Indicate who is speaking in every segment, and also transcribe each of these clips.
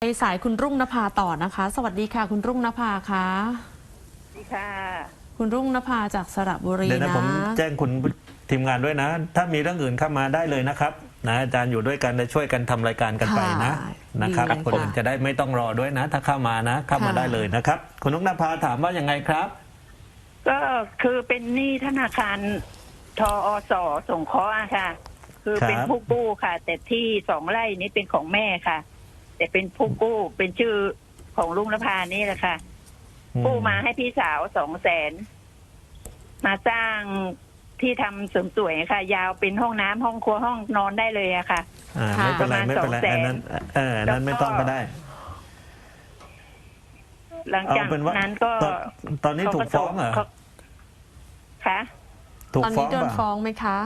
Speaker 1: สายคุณรุ่งนภาต่อนะคะ สวัสดีค่ะคุณรุ่งนภาค่ะ
Speaker 2: สวัสดีค่ะ
Speaker 1: คุณรุ่งนภาจากสระบุรีนะ
Speaker 3: เดี๋ยวนะผมแจ้งคุณทีมงานด้วยนะ ถ้ามีเรื่องอื่นเข้ามาได้เลยนะครับนะอาจารย์อยู่ด้วยกันจะช่วยกันทำรายการกันไปนะครับคนอื่นจะได้ไม่ต้องรอด้วยนะ ถ้าเข้ามานะเข้ามาได้เลยนะครับคุณรุ่งนภาถามว่ายังไงครับ
Speaker 2: ก็คือเป็นหนี้ธนาคารทอสสงเคราะห์ค่ะคือเป็นผู้กู้ค่ะ แต่ที่2 ไร่นี้เป็นของแม่ค่ะ แต่เป็นผู้กู้เป็นชื่อของลุงนภานี่แหละค่ะกู้มาให้พี่สาว200,000มาสร้างที่ทำเสริมสวยค่ะ ยาวเป็นห้องน้ำห้องครัวห้องนอนได้เลยอะค่ะ
Speaker 3: ไม่เป็นไรไม่เป็นไรอันนั้นไม่ต้องก็ได้
Speaker 2: หลังจากนั้นก็
Speaker 3: ตอนนี้ถูกฟ้องเหรอ
Speaker 2: คะ
Speaker 1: ตอนนี้โดนฟ้องไหมคะ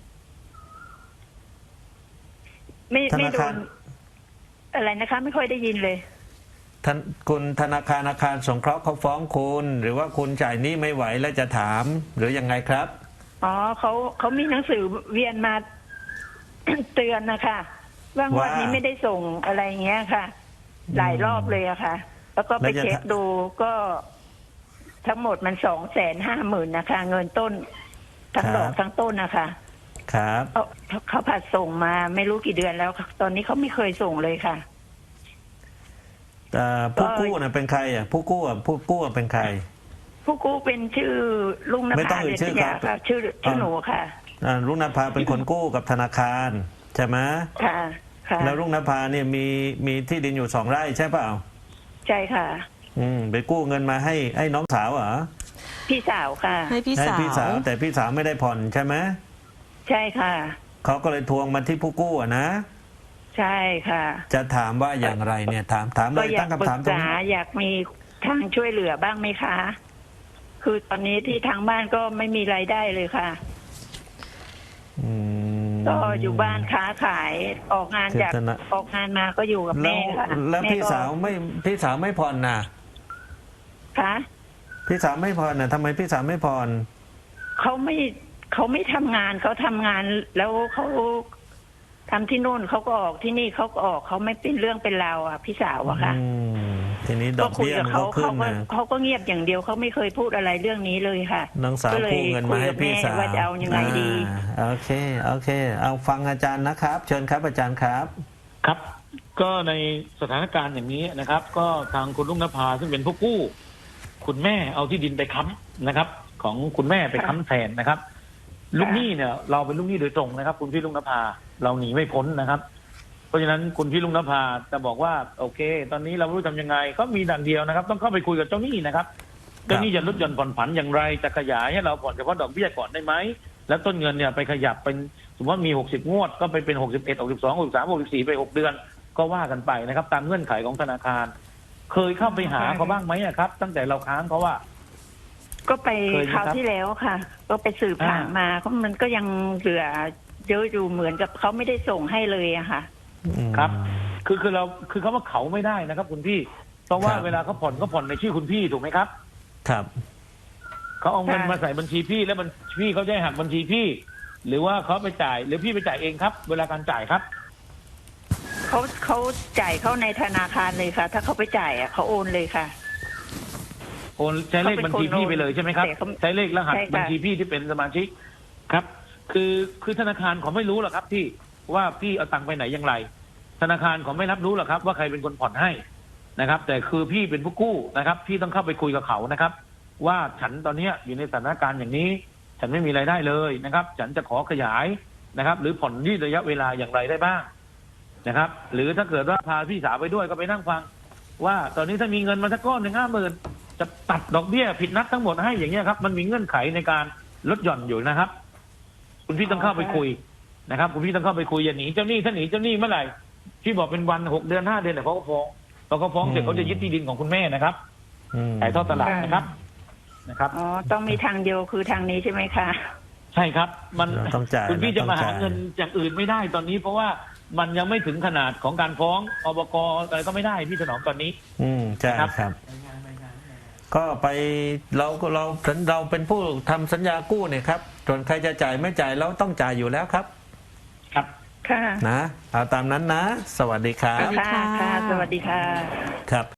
Speaker 2: ไม่โดนอะไรนะคะไม่ค่อยได้ยินเลย
Speaker 3: คุณธนาคารอาคารสงเคราะห์เขาฟ้องคุณหรือว่าคุณจ่ายหนี้ไม่ไหวแล้วจะถามหรือยังไงครับ
Speaker 2: อ๋อเขามีหนังสือเวียนมา เตือนนะคะว่างวันนี้ไม่ได้ส่งอะไรเงี้ยค่ะหลายรอบเลยอะค่ะแล้วก็ไปเช็คดูก็ทั้งหมดมัน250,000นะคะเงินต้นทั้งดอกทั้งต้นนะคะ
Speaker 3: ครับ
Speaker 2: เขาผัดส่งมาไม่รู้กี่เดือนแล้วตอนนี้เขาไม่เคยส่งเลยค่ะ
Speaker 3: ผู้กู้น่ะเป็นใครอ่ะผู้กู้เป็นใคร
Speaker 2: ผู้กู้เป็นชื่อลุงนภา
Speaker 3: ไม่ต้องเอ่ยชื่อครับ
Speaker 2: ชื่อหนูค่ะ
Speaker 3: ลุงนภาเป็นคนกู้กับธนาคารใช่ไหม
Speaker 2: ค่ะ
Speaker 3: แล้วลุงนภาเนี่ยมีที่ดินอยู่2 ไร่ใช่เปล่า
Speaker 2: ใช่ค่ะ
Speaker 3: ไปกู้เงินมาให้น้องสาวเหรอ
Speaker 2: พี่สาวค่ะ
Speaker 1: ให้พี่สาว
Speaker 3: แต่พี่สาวไม่ได้ผ่อนใช่ไหม
Speaker 2: ใช่ค่ะ
Speaker 3: เขาก็เลยทวงมาที่ผู้กู้นะ
Speaker 2: ใช่ค่ะ
Speaker 3: จะถามว่าอย่างไรเนี่ยถามเลยตั้งคำถามตรงนี้
Speaker 2: อยากมีทางช่วยเหลือบ้างไหมคะคือตอนนี้ที่ทางบ้านก็ไม่มีรายได้เลยค่ะก็อยู่บ้านค้าขายออกงานมาก็อยู่กับแม่ค่ะ
Speaker 3: แล้วพี่สาวไม่ผ่อนน่ะ
Speaker 2: คะ
Speaker 3: พี่สาวไม่ผ่อนน่ะทำไมพี่สาวไม่ผ่อน
Speaker 2: เขาไม่ทำงานเขาทำงานแล้วเขาทำที่นู่นเขาก็ออกที่นี่เขาก็ออกเขาไม่เป็นเรื่องเป็นราวอ่ะพี่สาวอะค่ะ
Speaker 3: ทีนี้ดอกเบี้ยมันก็ขึ้นนะ
Speaker 2: เขาก็เงียบอย่างเดียวเขาไม่เคยพูดอะไรเรื่องนี้เลยค่ะ
Speaker 3: น้องสาวกู้เงินมาให้พี่สาว
Speaker 2: ว่าจะเอายังไงดี
Speaker 3: โอเคเอาฟังอาจารย์นะครับเชิญครับอาจารย์ครับ
Speaker 4: ครับก็ในสถานการณ์อย่างนี้นะครับ ก็ทางคุณลุงนภาซึ่งเป็นผู้กู้คุณแม่เอาที่ดินไปค้ำนะครับ ของคุณแม่ไปค้ำแทนนะครับลูกหนี้เนี่ยเราเป็นลูกหนี้โดยตรงนะครับคุณพี่ลุงนภาเราหนีไม่พ้นนะครับเพราะฉะนั้นคุณพี่ลุงนภาจะบอกว่าโอเคตอนนี้เราไม่รู้ทำยังไงก็มีดังเดียวนะครับต้องเข้าไปคุยกับเจ้าหนี้นะครับเจ้าหนี้จะลดหย่อนผ่อนผันอย่างไรจะขยายให้เราผ่อนเฉพาะดอกเบี้ยก่อนได้ไหมแล้วต้นเงินเนี่ยไปขยับเป็นสมมติว่ามี60 งวดก็ไปเป็น61 62 63 64ไป6 เดือนก็ว่ากันไปนะครับตามเงื่อนไขของธนาคารเคยเข้าไปหาเขาบ้างไหมครับตั้งแต่เราค้างเขาว่า
Speaker 2: ก็ไปคราวที่แล้วค่ะก็ไปสืบถามมาเพราะมันก็ยังเหลือเยอะอยู่เหมือนกับเขาไม่ได้ส่งให้เลยอะค่ะ
Speaker 4: ครับคือเขาว่าเขาไม่ได้นะครับคุณพี่เพราะว่าเวลาเขาผ่อนในชื่อคุณพี่ถูกไหมครับ
Speaker 3: ครับ
Speaker 4: เขาเอาเงินมาใส่บัญชีพี่แล้วพี่เขาจะหักบัญชีพี่หรือว่าเขาไปจ่ายหรือพี่ไปจ่ายเองครับเวลาการจ่ายครับ
Speaker 2: เขาจ่ายเข้าในธนาคารเลยค่ะถ้าเขาไปจ่ายอะเขาโอนเลยค่ะ
Speaker 4: โอนใช้เลขบัญชีพี่ไปเลยใช่ไหมครับใช้เลขรหัสบัญชีพี่ที่เป็นสมาชิกครับคือธนาคารเขาไม่รู้หรอกครับที่ว่าพี่เอาตังค์ไปไหนอย่างไรธนาคารเขาไม่รับรู้หรอกครับว่าใครเป็นคนผ่อนให้นะครับแต่คือพี่เป็นผู้กู้นะครับพี่ต้องเข้าไปคุยกับเขานะครับว่าฉันตอนนี้อยู่ในสถานการณ์อย่างนี้ฉันไม่มีรายได้เลยนะครับฉันจะขอขยายนะครับหรือผ่อนยืดระยะเวลาอย่างไรได้บ้างนะครับหรือถ้าเกิดว่าพาพี่สาวไปด้วยก็ไปนั่งฟังว่าตอนนี้ถ้ามีเงินมาสักก้อนหนึ่ง50,000จะตัดดอกเบี้ยผิดนัดทั้งหมดให้อย่างเงี้ยครับมันมีเงื่อนไขในการลดหย่อนอยู่นะครับคุณพี่ต้องเข้าไปคุยนะครับคุณพี่ต้องเข้าไปคุยอย่าหนีเจ้าหนี้ถ้าหนีเจ้าหนี้เมื่อไหร่พี่บอกเป็นวัน6 เดือน 5 เดือนแต่เขาก็ฟ้องพอเขาฟ้องเสร็จเขาจะยึดที่ดินของคุณแม่นะครับขายทอดตลาดนะครับ
Speaker 2: อ๋อต้องมีทางเดียวคือทางนี้ใช่ไหมคะ
Speaker 4: ใช่ครับมัน
Speaker 3: ต้องจ่าย
Speaker 4: คุณพี่จะมาหาเงินอย่างอื่นไม่ได้ตอนนี้เพราะว่ามันยังไม่ถึงขนาดของการฟ้องอบก.อะไรก็ไม่ได้พี่ถนอมตอนนี้
Speaker 3: ใช่ครับก็ไปเราเป็นผู้ทำสัญญากู้เนี่ยครับส่วนใครจะจ่ายไม่จ่ายเราต้องจ่ายอยู่แล้วครับ
Speaker 4: ครับ
Speaker 2: ค่ะ
Speaker 3: นะเอาตามนั้นนะ สวัสดีครับ
Speaker 1: สวัสดี
Speaker 2: ค่ะ
Speaker 1: ค่ะ
Speaker 2: ค่ะ สวัสดีค่ะ
Speaker 3: ครับ